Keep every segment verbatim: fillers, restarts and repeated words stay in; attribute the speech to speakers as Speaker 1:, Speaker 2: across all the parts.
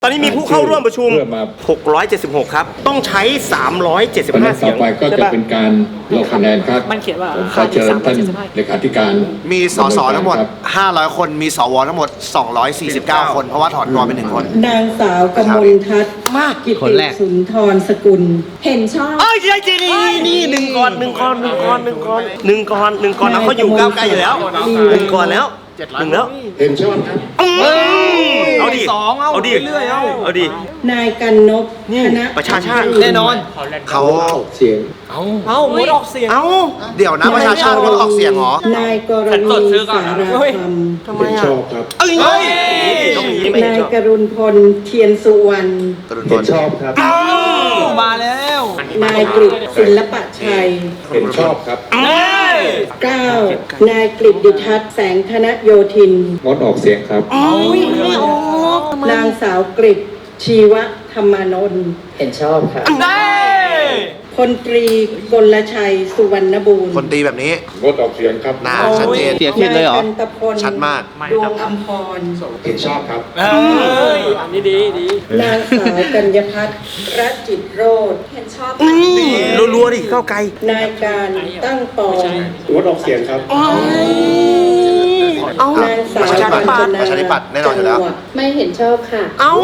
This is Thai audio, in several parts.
Speaker 1: ตอนนี้มีผู้เข้าร่วมประชุมหกร้อยเจ็ดสิบหกครับต้องใช้สามร้อยเจ็ดสิบห้าเสียง
Speaker 2: ต่อไปก็จะเป็นการลงคะแนนครับ
Speaker 3: มันเขียนว่า
Speaker 2: ขอเชิญท่านเลขาธิการ
Speaker 4: มีสสทั้งหมดห้าร้อยคนมีสวทั้งหมดสองร้อยสี่สิบเก้าคนเพราะว่าถอนตัวไปหนึ่งคน
Speaker 5: นางสาวกมลทัศน์มากกิติสุนทรสกุลเห็นชอบ
Speaker 1: เอ้ยใช่นี่นี่หนึ่งก่อนหนึ่งก่อนหนึ่งก่อนหนึ่งก่อนหนึ่งก่อนหนึ่งก่อนแล้วเขาอยู่ก้าวไกลอยู่แล้วหนึ่งก่อนแล้วหนึ่งแล้ว
Speaker 2: เห็นชอบครับ
Speaker 1: เอาดิ
Speaker 3: สองเอา
Speaker 1: เอาดิ
Speaker 3: เรื่อยๆเอา
Speaker 1: เอาดิ
Speaker 5: นายกันนพธน
Speaker 1: ประชาชาติ
Speaker 3: แน่นอน
Speaker 4: เขา
Speaker 2: เสียง
Speaker 3: เอาหมดออกเสียง
Speaker 1: เอ้า
Speaker 4: เดี๋ยวนะประชาชาติเขาออกเสียงเหรอ
Speaker 5: นายกรณีสารธรรม
Speaker 1: ทำไม
Speaker 2: เห็น
Speaker 1: อ่ะ
Speaker 2: ชอบครับ
Speaker 1: เอ้ยต้องอย่างนี้ไม่
Speaker 5: นาย
Speaker 1: ชอบ
Speaker 5: กรุณพลเทียนสุวรรณ
Speaker 2: เห็นชอบครับ
Speaker 3: มาแล้ว
Speaker 5: นายกฤษศิลปะชัย
Speaker 2: เห็นชอบครับ
Speaker 5: เก้านายกฤษดิทัศน์แสงธนโยธิน
Speaker 2: งดออกเสียงครับ
Speaker 5: นางสาวกฤษชีวธรรมานนท์เห็นชอบค่ะพลตรีกลชัยสุวรรณบูรณ์
Speaker 4: คนตีแบบนี้
Speaker 2: งดออกเสียงครับ
Speaker 4: หน้าชัดเจน
Speaker 5: เสียงเลยเหรอกันตพล
Speaker 4: ชัดมาก
Speaker 5: ดวงอมพร
Speaker 2: เห็นชอบครับ
Speaker 3: เอ้ยอันนี้ดีดี
Speaker 5: นางสาวกัญญพัฒน์รัตจิตโรธเห็นชอบ
Speaker 1: นี่รัวๆดิก้าวไกล
Speaker 5: นายการตั้งปอง
Speaker 2: งดออกเสียงครับ
Speaker 5: นางสาว
Speaker 4: ประชาธิปัตย์
Speaker 5: กัญจนา
Speaker 4: ประชาธิปัตย์แน่นอนอยู่แล้ว
Speaker 5: จังหดไม่เห็นชอบค่ะ
Speaker 1: เอ้าน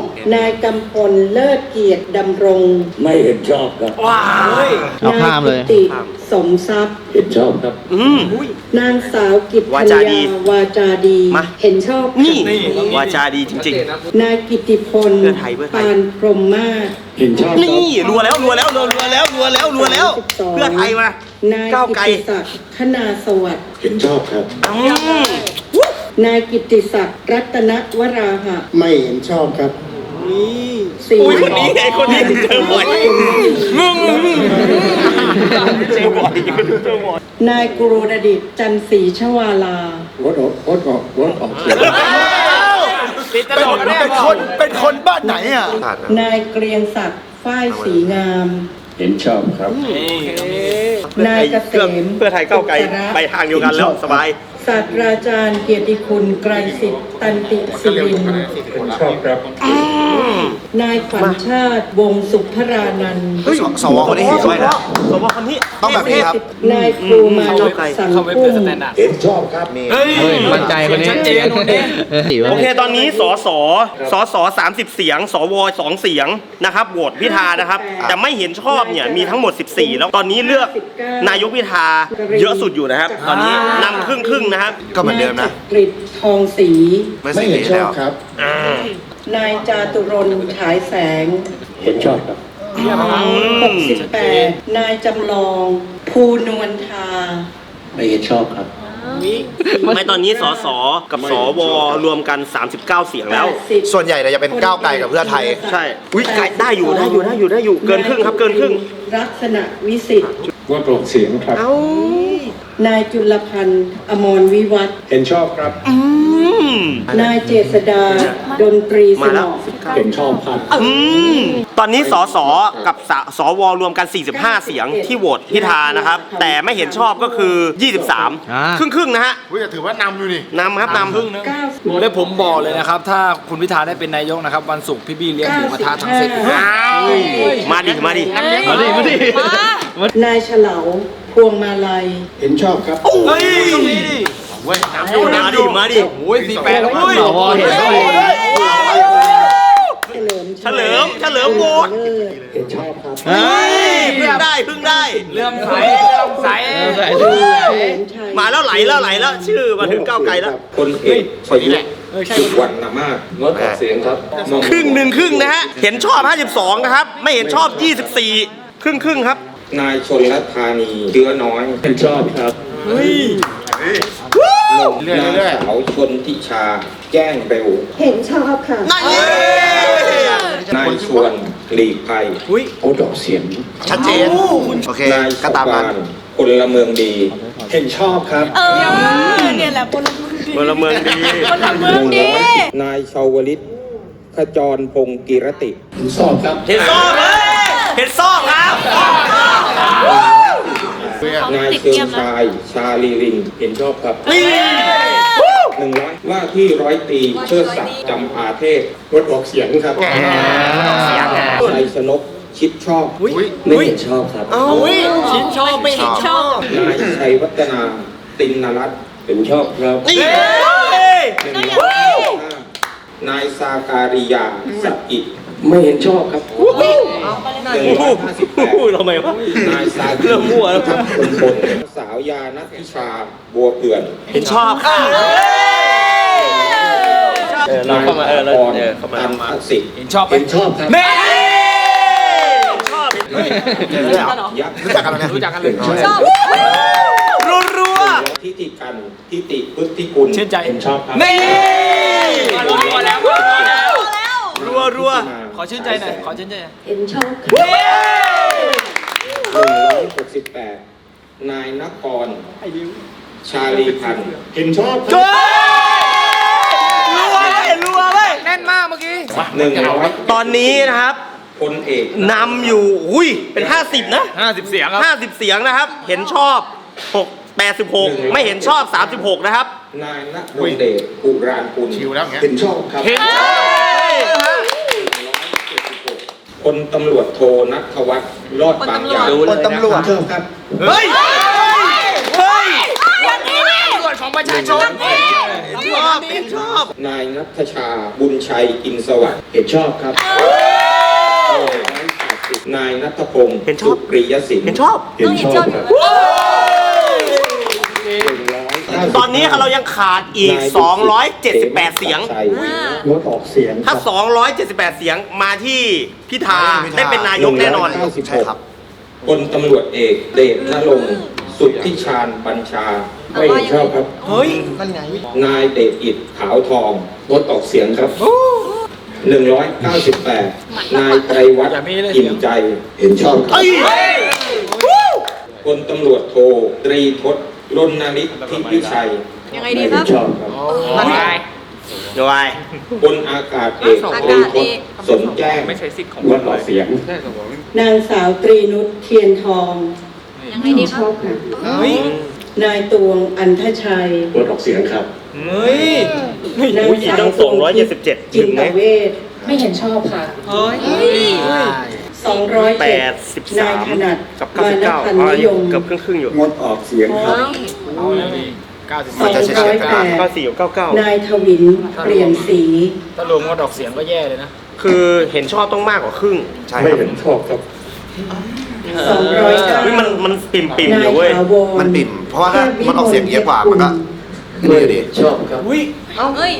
Speaker 5: ายกำพลเลิศเกียรติดำรง
Speaker 2: ไม่เห็นชอบครับ
Speaker 1: ว้าย
Speaker 5: นายกิติสมทรัพย์
Speaker 2: เห็นชอบครับ
Speaker 1: อืม
Speaker 5: นางสาวกิต
Speaker 1: วา
Speaker 5: พัญ
Speaker 1: จาดี
Speaker 5: ญาวาจาดี
Speaker 1: มา
Speaker 5: เห็นชอบ
Speaker 1: นี่วาจาดีจริง
Speaker 5: นายกิติพล
Speaker 1: เพื่อไทยเพื่อไทย
Speaker 5: ปานพรหมมาศ
Speaker 2: เห็นชอบ
Speaker 1: ๆ นี่รัวแล้วรัวแล้วรัวแล้วรัวแล้วรัวแล้ว
Speaker 5: สอง
Speaker 1: เพื่อไทยมา
Speaker 5: นาย
Speaker 1: ก้าว
Speaker 5: กิ
Speaker 1: ไกล
Speaker 5: ติศักดิ์คณาสวัสดิ์
Speaker 2: เห็นชอบครับ
Speaker 1: อืม
Speaker 5: นายกิติศักดิ์รัตนวราหะ
Speaker 2: ไม่เห็นชอบครับ
Speaker 5: สี่
Speaker 1: อุ้ยคนนี้ไงคนนี้เจอบ่อยมึงเจอบ่อยเจอบ่อย
Speaker 5: นายกุโรดดิตจันทร์ศรีชวาลา
Speaker 2: งดออกงดออกงดออกเสียง
Speaker 3: ปิดตลอดแน่
Speaker 4: เป็นคนเป็นคนบ้านไหนอ่ะ
Speaker 5: นายเกรียงศักดิ์ฝ้ายศรีงาม
Speaker 2: เห็นชอบครับ
Speaker 5: นายเกษม
Speaker 1: เพื่อไทยก้าวไกลไปทางเดียวกันแล้วสบาย
Speaker 5: ศาสตราจารย์เกียรติคุณไกรสิทธิ์ตันติศิรินทร์
Speaker 2: เห็นชอบครับ
Speaker 5: นายขวัญชาติวงศ์สุภรานันท์
Speaker 4: เฮ้ยสวคนนี้เห็นด้วยนะ
Speaker 1: สวคนนี้
Speaker 4: ต้องแบบนี้ครับ
Speaker 5: นายครูมาลกสัง
Speaker 3: เขาไม่
Speaker 5: กุ้
Speaker 3: เป็น
Speaker 5: ง
Speaker 3: สแตนดาร์ด
Speaker 2: เห็นชอบครับ
Speaker 1: เฮ้ย
Speaker 6: มั่นใจคนนี้
Speaker 3: ชัดเจนคนนี้
Speaker 1: โอเคตอนนี้สสสสสามสิบเสียง สวสองเสียงนะครับโหวตพิธานะครับแต่ไม่เห็นชอบเนี่ยมีทั้งหมดสิบสี่แล้วตอนนี้เลือกนายกพิธาเยอะสุดอยู่นะครับ ตอนนี้นำครึ่งครึ่งๆนะครับ
Speaker 4: ก็เหมือนเดิมนะ
Speaker 5: นายจักริดทองศรี
Speaker 4: ไม่
Speaker 2: ไม่
Speaker 4: สิ
Speaker 2: เห็น
Speaker 4: ดี
Speaker 2: ชอ
Speaker 4: แล้
Speaker 2: บ
Speaker 4: ว
Speaker 2: ครับ
Speaker 5: นายจาตุรนต์ฉายแสง
Speaker 2: เห็นชอบครับ
Speaker 5: หกสิบแปดนายจำลองภูนวลทา
Speaker 2: ไม่เห็นชอบครับ
Speaker 1: ไม่ตอนนี้สสกับสวรวมกันสามสิบเก้าเสียงแล้ว
Speaker 4: ส่วนใหญ่เนี่ยจะเป็นก้าวไกลกับเพื่อไทย
Speaker 1: ใช่อุ้ยไกลได้อยู่ได้อยู่ได้อยู่ได้อยู่เกินครึ่งครับเกินครึ่ง
Speaker 5: ลักษณะวิสิทธิ์
Speaker 2: งดออกเสียงครับ
Speaker 5: นายจุลพันธ์อมรวิวัฒน์
Speaker 2: เห็นชอบครับ
Speaker 1: อืม
Speaker 5: นายเจษดาดนตรีส
Speaker 1: มาน แล้ว
Speaker 5: อง
Speaker 2: เห็นชอบครับ
Speaker 1: อืมตอนนี้สสกับสสวรวมกันสี่สิบห้าเสียงที่โหวตพิธานะครับ แต่ไม่เห็นชอบก็คือยี่สิบสาม
Speaker 6: อ่า
Speaker 1: ครึ่งครึ่งๆนะฮะ
Speaker 4: อุ้ยถือว่านำอยู่นี่
Speaker 1: นำครับนำ
Speaker 5: เก้าสิบ
Speaker 3: และผมบอกเลยนะครับ ถ้าคุณพิธาได้เป็นนายกนะครับวันศุกร์พี่บี้เลี้ยงหมูกระทะทั้งเซต
Speaker 1: มาดิมาดิ
Speaker 6: มาดิมาดิ
Speaker 5: นายเฉลาพวงมาลัย
Speaker 2: เห็นชอบครับ
Speaker 3: เฮ้ยตรงนี้ดิ
Speaker 1: มาดิมาดิ
Speaker 3: โอ้ยสี่แปดแล้ว
Speaker 6: สวเห็นด้วย
Speaker 5: เฉลิม
Speaker 1: เฉลิมเฉลิมโหวต
Speaker 2: เห็นชอบครับ
Speaker 1: เฮ้ยเพิ่งได้เพิ่งได้
Speaker 3: เลื่อมใสเลื่อมใส
Speaker 6: ใส่
Speaker 5: เฉ
Speaker 6: ด้วย
Speaker 5: ลิมชัย
Speaker 1: มาแล้วไหลแล้วไหลแล้วชื่อมาถึงก้าวไกลแล้ว
Speaker 7: คนเอกประยุทธ์สุวรรณมากงดออกเสียงครับมอง
Speaker 1: ครึ่งหนึ่งครึ่งนะฮะเห็นชอบห้าสิบสองนะครับไม่เห็นชอบยี่สิบสี่ครึ่งครึ่งๆครับ
Speaker 7: นายชนรัตธานีเชื้อน้อย
Speaker 2: เห็นชอบครับ
Speaker 7: นางสาวชนทิชา แจ้งเร็ว
Speaker 5: เห็นชอบค่ะ
Speaker 1: นั่นเอง
Speaker 7: นายชวนหลีกภัย
Speaker 2: งดออกเสียง
Speaker 4: ชัดเจน โอเค
Speaker 7: นาย
Speaker 4: ก็
Speaker 7: ส
Speaker 4: ตาม
Speaker 7: ปา
Speaker 4: นั้น
Speaker 7: นพลเมืองดี
Speaker 2: เห็นชอบครับ
Speaker 8: เออเนี่ยแหละคนละมือดี
Speaker 1: พลเมืองดี
Speaker 8: คนละมือดี
Speaker 7: นายชาวลิตขจรพงศ์กิรติ
Speaker 2: เห็นชอบครับ
Speaker 1: เห็นซอกเลยเห็นซอกครับ
Speaker 7: นายเชิงชาย ชาลีริง เห็นชอบครับ
Speaker 1: นี่
Speaker 7: หนึ่งร้อยว่าที่ร้อยตรีเชิดศักดิ์จำปาเทพ
Speaker 2: งดออกเสียงครับ
Speaker 7: ชัยชนกชิดชอบ
Speaker 2: ไม่เห็นชอบครับ
Speaker 8: อุ้ยชิ้นชอบไม่เห็นชอบ
Speaker 7: นายชัยวัฒนาตินนรัตน์
Speaker 2: เห็นชอบครับ
Speaker 1: นี่
Speaker 7: หนึ่งร้อยห้านายสาการิยาสักกิจ
Speaker 2: ไม่เห็นชอบครับ
Speaker 7: หนึ่งร้อยห้าสิบแปด
Speaker 1: พูดทำไมวะ
Speaker 7: นายสา
Speaker 1: เรื่องมั่วแล้ว
Speaker 7: ทัพพลพลสาวยานัทธิชาบัวเผื่อน
Speaker 1: เห็นชอบค่ะเออเราเข้ามาเออเราเออเข้ามา
Speaker 7: ตันทักษิณ
Speaker 3: เห็นชอบไหม
Speaker 2: เห็นชอบครับ
Speaker 1: เน่ชอบ
Speaker 7: ยักษ์
Speaker 4: รู้จักกันไหมเนี่ย
Speaker 3: รู้จักกันเลย
Speaker 8: ชอบ
Speaker 1: รัวรัว
Speaker 7: ทิติกันทิติพุทธิกุล
Speaker 3: ชื่นใจ
Speaker 2: เห็นชอบครับ
Speaker 1: เน่
Speaker 3: รัวๆแล้ว
Speaker 1: รัวรัว
Speaker 3: ขอชื่นใจหน่อยขอชื่นใจหน่อย
Speaker 5: เห็นชอบ
Speaker 7: หนึ่งร้อยหกสิบแปดนายนกรชาลีพันธ์
Speaker 2: เห็นชอบค
Speaker 1: จ้
Speaker 2: รับ
Speaker 1: รัวเลยรัวเลย
Speaker 3: แน่นมากเมื่อกี้
Speaker 7: หนึ่งร้อย
Speaker 1: ตอนนี้นะครับ
Speaker 7: พลเอก
Speaker 1: นำอยู่อุ้ยเป็นห้าสิบนะ
Speaker 3: ห้าสิบเสียงครับ
Speaker 1: ห้าสิบเสียงนะครับ เห็นชอบหกแปดสิบหกไม่เห็นชอบสามสิบหกนะครับ
Speaker 7: นายณรงค์เดชอุรานกุล
Speaker 4: ชิวแล้วอย่างเงี้ย
Speaker 2: เห็นชอบครับ
Speaker 3: เห็น
Speaker 1: เฮ้ย
Speaker 7: พลตำรวจโทนัทวัฒน์รอดบางอย่าง
Speaker 4: คนตำรวจ
Speaker 2: ชอบครับ
Speaker 1: เฮ้ยเฮ้ย
Speaker 8: อย่างนี้นี่
Speaker 3: ตำรวจของประชาชน
Speaker 1: ชอบเห็นชอบ
Speaker 7: นายนัทชาบุญชัยอินสวัสดิ์
Speaker 2: เห็นชอบครับ
Speaker 7: นายนัทพงศ์
Speaker 1: เห็นชอบ
Speaker 7: สุปริยศิลป์
Speaker 1: เห็นชอบ
Speaker 2: เห็นชอบครับ
Speaker 1: ตอนนี้เรายังขาดอีก สองร้อยเจ็ดสิบแปด เสียง
Speaker 2: งดออกเสียงค
Speaker 1: ถ้า
Speaker 2: รับ
Speaker 1: สองร้อยเจ็ดสิบแปด เสียงมาที่พิธาได้เป็นนายกแน่นอน
Speaker 4: ใช่ครับ
Speaker 7: พลตำรวจเอกเดชนรงค์สุทธิชาญบัญชา
Speaker 2: ไม่เห็นชอบครับ
Speaker 1: เฮ้ย
Speaker 7: นายเดชอิดขาวทองงดออกเสียงครับหนึ่งร้อยเก้าสิบแปดนายไตรวัฒน์อิ่มใจ
Speaker 2: เห็นชอบครับ
Speaker 7: พลตำรวจโทตรีทศรณฤทธิวิชัย
Speaker 8: ยังไง
Speaker 2: ไม่
Speaker 8: ดีค
Speaker 2: เห็
Speaker 8: รั
Speaker 2: น
Speaker 8: บ
Speaker 2: ชอบครับ
Speaker 1: ด้วย
Speaker 7: พลอากาศเอกตรีทศสนแจ้ง
Speaker 2: งดออกเสียง
Speaker 5: นางสาวตรีนุชเทียนทอง
Speaker 8: ยังไงดีค
Speaker 5: ช
Speaker 8: รับ
Speaker 5: อบค่ะนายตวงอันทชัย
Speaker 2: งดออกเสียงครับ
Speaker 1: เฮ้ยอุ้ยอีกตั้งสองร้อยเจ็ดสิบเจ็ด
Speaker 5: จิ
Speaker 1: ถึ
Speaker 5: น
Speaker 1: งไหม
Speaker 5: ตเวชไม่เห็นชอบค่ะ สองร้อย
Speaker 1: แป
Speaker 5: เจ็ด
Speaker 1: ดสิบสาน
Speaker 5: าย
Speaker 1: ม
Speaker 5: ถนัด
Speaker 1: กับเก้าสิบเก้า
Speaker 5: พัน
Speaker 1: อ๋อ
Speaker 5: นิ
Speaker 1: อย ยู่
Speaker 5: ม
Speaker 1: เกือบครึ่งครึ่งๆอยู่
Speaker 2: งดออกเสียงครับ
Speaker 3: เอาแล้วนี่เก้าสิบ
Speaker 5: สองร้อยแปด
Speaker 1: เก้าสี่กับเก้าเก้าน
Speaker 5: ายทวินเปลี่ยนสี
Speaker 3: ถ้ารวมก็ดอกเสียงก็แย่เลยนะ
Speaker 1: คือเห็นชอบต้องมากกว่าครึ่ง
Speaker 4: ใช่
Speaker 2: ไม่
Speaker 4: ครับ
Speaker 2: เห็นชอบครับ
Speaker 5: สองร้อยเก้า
Speaker 1: เฮ้ยมันมันปิ่มปิ่ม
Speaker 5: นา
Speaker 1: ๆอยู่เว้ย
Speaker 5: ถาวร
Speaker 4: มันปิ่ม เพราะว่าถ้ามันออกเสียงเยอะกว่า มันก็ไม่อยู่ดี
Speaker 2: ชอบครับ
Speaker 1: อุ้ย
Speaker 8: เอ้ย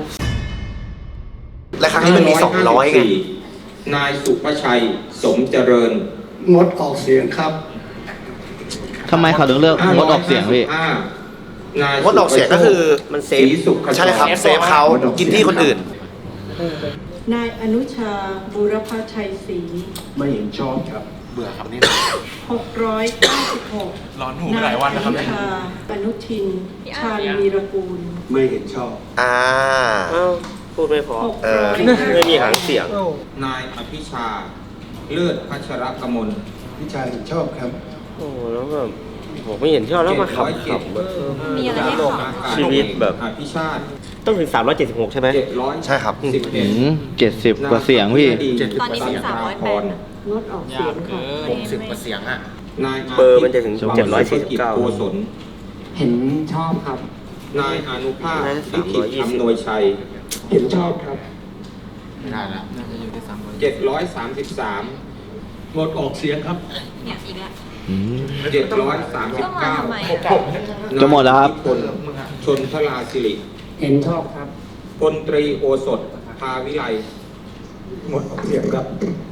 Speaker 4: และครั้งนี้มันมีสองร้อยไง
Speaker 7: นายสุภชัยสมเจริญ
Speaker 2: งดออกเสียงครับ
Speaker 6: ทำไมเขาถึงเลือกงดออกเสียงพี่
Speaker 7: นาย
Speaker 4: งดออกเสียงก็คือ
Speaker 1: มันเซ
Speaker 7: ศรี
Speaker 1: ฟ
Speaker 7: สุข
Speaker 4: ใช่ครับ เซฟเขากินที่คนอื่น
Speaker 5: นายอนุชาบุรพชัยศรี
Speaker 2: ไม่เห็นชอบครับ
Speaker 4: เบื่อครับนี่
Speaker 5: หกร้อยเก้าสิบหก
Speaker 3: ร้อนหูไปหลายวันนะครับ
Speaker 5: นายอนุชาอนุทิน ชาญวีรกูล
Speaker 2: ไม่เห็นชอบ
Speaker 4: อ่า
Speaker 1: เอ้าพูดไม่พอ
Speaker 4: เออ
Speaker 1: ไม่มีหางเสียง
Speaker 7: นายอภิชา เลิศพัชรกมล
Speaker 2: พิชายเห็นชอบครับ
Speaker 1: โอ้แล้วแบบผมไม่เห็นชอบแล้วมาขับขับ
Speaker 8: มีอะไรให้ขอ
Speaker 1: ชีวิตแบบ
Speaker 7: อภิชาติ
Speaker 1: ต้องถึงสามร้อยเจ็ดสิบหกใช่ไหม
Speaker 7: เจ็ดร้อย
Speaker 4: ใช่ครับ
Speaker 7: สิบเอ็
Speaker 6: อื
Speaker 7: ด
Speaker 6: มเจ็ดสิบกว่าเสียงพี่
Speaker 8: ตอนนี้เป็นสามร้อยแปดนะ
Speaker 5: งดออกเสียงค่ะ
Speaker 3: หกสิบกว่าเสียงอ่ะ
Speaker 7: นาย
Speaker 1: เบอร์มันจะถึงเจ็ดร้อยสี่สิบเก้า
Speaker 7: โกศล
Speaker 2: เห็นชอบครับ
Speaker 7: นายอนุภาพลิขิตอำนวยชัย
Speaker 2: เห็นชอบครับ
Speaker 3: ไม่ได้แล้วน่าจะอยู่ที่สามร้อย
Speaker 7: เจ็ดร้อยสามสิบสาม
Speaker 2: งดออกเสียงครับ
Speaker 8: เนี่ยอีกแล้ว
Speaker 6: อืม
Speaker 7: เจ็ดร้อยสามสิบ
Speaker 8: ต้องมา
Speaker 7: เก้า
Speaker 8: ทำไม
Speaker 6: จะหมดแล้วครับ
Speaker 7: พลชนทราสิริ
Speaker 2: เห็นชอบครับ
Speaker 7: พลตรีโอสถภาวิไล
Speaker 2: งดออกเสียงครับ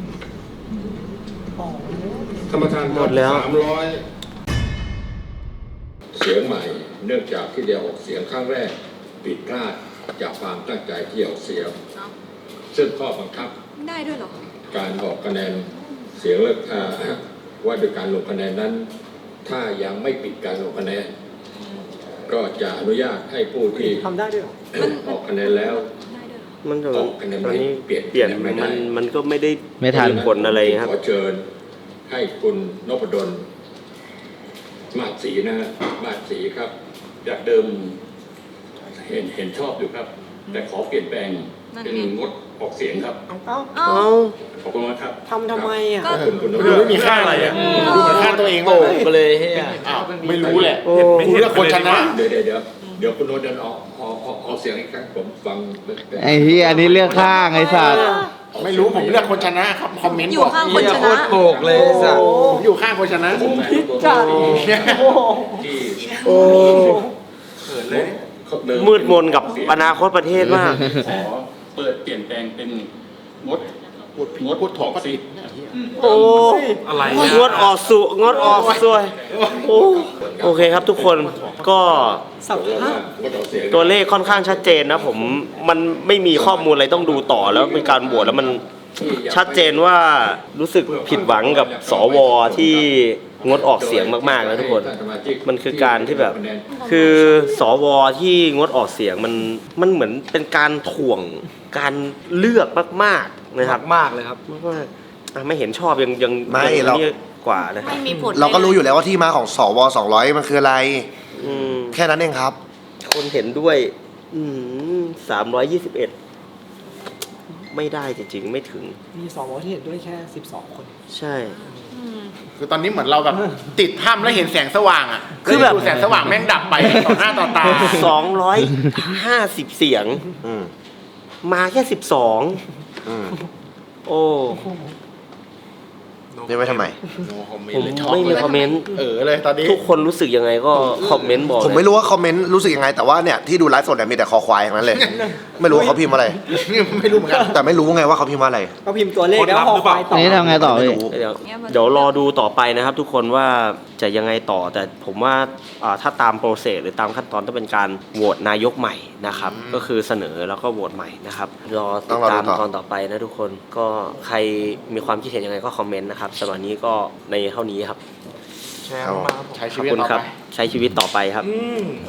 Speaker 7: ธรรมทาน
Speaker 1: หมดแล้ว
Speaker 7: สามร้อย
Speaker 9: เสียงใหม่เนื่องจากที่เดียวออกเสียงครั้งแรกผิดพลาดจากความตั้งใจที่ออกเสียง ซึ่งข้อบังคับ
Speaker 8: ได้ด้วยเหรอ
Speaker 9: การออกคะแนนเสียงเลือกอ่าว่าโดยการลงคะแนนนั้น ถ้ายังไม่ปิดการลงคะแนน ก็จะอนุญาตให้ผู้ที่ทำได้ด้วยออกคะแนนแล้ว
Speaker 8: ได้ด้วยเหรอ
Speaker 1: มันจะ
Speaker 9: ออกคะแนน
Speaker 1: ตอนนี้
Speaker 9: เปลี่ยน
Speaker 1: เปลี่ยน
Speaker 9: ไม่ได้
Speaker 1: มันมันก็ไม่ได้
Speaker 6: ไม่ทัน
Speaker 1: ผลอะไรครับ
Speaker 9: ขอเชิญให้คุณนพดลมาศศรีนะฮะมาศศรีครับจากเดิมเห็นเห็นชอบอยู่ครับ แต่ขอเปลี่ยนแปลง
Speaker 8: นั่น
Speaker 9: เป็น
Speaker 8: ไง
Speaker 9: งดออกเสียงครับ
Speaker 8: เอ้า
Speaker 1: เอ้า
Speaker 9: ขอบคุณมากครับ
Speaker 10: ทำทำไมอ่ะ
Speaker 8: ก็
Speaker 9: ขอบคุณคุณ
Speaker 3: ดูไม่มีค่าอะไรอ่ะดูเหมือนค่าตัวเองโตไปเลยเฮียอ้าวไม่รู้แหละกูเลือกคนชนะ
Speaker 9: เดี๋ยวเดี๋ยวเดี๋ยวเดี๋ยวคุณโนตเดินออกออกออกออกเสียงอีกครั้งผมฟัง
Speaker 6: ไอ้เฮียอันนี้เลือกข้างไอ้สัตว์
Speaker 3: ไม่รู้ผมเลือกคนชนะครับคอมเมนต์
Speaker 8: อยู่
Speaker 3: บอก
Speaker 8: ข้างคนชนะ
Speaker 3: เลยสัตว์ผมอยู่ข้างคนชนะ
Speaker 9: ผมพิจารที่
Speaker 1: โอ้
Speaker 9: เปิดเลย
Speaker 1: มืดมนกับอนาคตประเทศมาก
Speaker 9: ขอเปิดเปลี่ยนแปลงเป็นงดงดถอกสิ
Speaker 1: โอ้อะไรงดออกสุงดออกสวยโอ้โอเคครับทุกคนก็ตัวเลขค่อนข้างชัดเจนนะผมมันไม่มีข้อมูลอะไรต้องดูต่อแล้วเป็นการโหวตแล้วมันชัดเจนว่ารู้สึกผิดหวังกับสวที่งดออกเสียงมากๆนะทุกคนมันคือการที่แบบคือสวที่งดออกเสียงมันมันเหมือนเป็นการถ่วงการเลือกมากๆนะครับ
Speaker 3: มากเลยครับ
Speaker 1: มากๆอ่ะไม่เห็นชอบยังยัง
Speaker 4: ไม่
Speaker 1: ยัง
Speaker 4: เรา
Speaker 1: นี่กว่านะ
Speaker 8: ไม่มีผล
Speaker 4: เราก็รู้อยู่แล้วว่าที่มาของสวสองร้อยมันคืออะไร
Speaker 1: อืม
Speaker 4: แค่นั้นเองครับ
Speaker 1: คนเห็นด้วยสามร้อยยี่สิบเอ็ดไม่ได้จริงๆไม่ถึง
Speaker 10: มีสวที่เห็นด้วยแค่สิบสองคน
Speaker 1: ใช่
Speaker 3: คือตอนนี้เหมือนเราแบบติดถ้ำแล้วเห็นแสงสว่างอ่ะ
Speaker 1: คือแบบ
Speaker 3: ดูแสงสว่างแม่งดับไปต่อหน้าต่อตา
Speaker 1: สองร้อยห้าสิบเสียง
Speaker 4: อืม
Speaker 1: มาแค่สิบสอง
Speaker 4: อืม
Speaker 1: โอ้
Speaker 4: เรียกไว้ทำไม
Speaker 1: ผมไม่มีคอมเมนต์
Speaker 3: เออเลยตอนนี้
Speaker 1: ทุกคนรู้สึกยังไงก็คอมเมนต์บอก
Speaker 4: ผมไม่รู้ว่าคอมเมนต์รู้สึกยังไง แต่ว่าเนี่ยที่ดูไลฟ์สดเนี่ยมีแต่คอควายอย่างนั้นเลย ไม่รู้ว่าเขาพิมพ์อะไร
Speaker 3: ไม่รู้เหมือนกัน
Speaker 4: แต่ไม่รู้ไงว่าเขาพิมพ์ว่าอะไร
Speaker 10: ก็พิมพ์ตัวเลขแล้วพอควายต่อ
Speaker 6: นี่ทำไงต่อ
Speaker 4: ไม่
Speaker 6: พี่
Speaker 4: รู้
Speaker 1: เดี๋ยวเดี๋ยวรอดูต่อไปนะครับ ทุกคนว่าจะยังไงต่อแต่ผมว่าอ่าถ้าตามโปรเซสหรือตามขั้นตอนต้องเป็นการโหวตนายกใหม่นะครับ ก็คือเสนอแล้วก็โหวตใหม่นะครับรอติดตามตอนต่อไปนะทุกคนก็ใครมีความคิดเห็นยังไงก็คอมเมนต์นะครับสำหรับนี้ก็ในเท่านี้ครับ
Speaker 3: ใช้ชี
Speaker 1: ขอบ
Speaker 3: วิต
Speaker 1: คุณ
Speaker 3: ต่อ
Speaker 1: ครับ
Speaker 3: ไป
Speaker 1: ใช้ชีวิตต่อไปครับ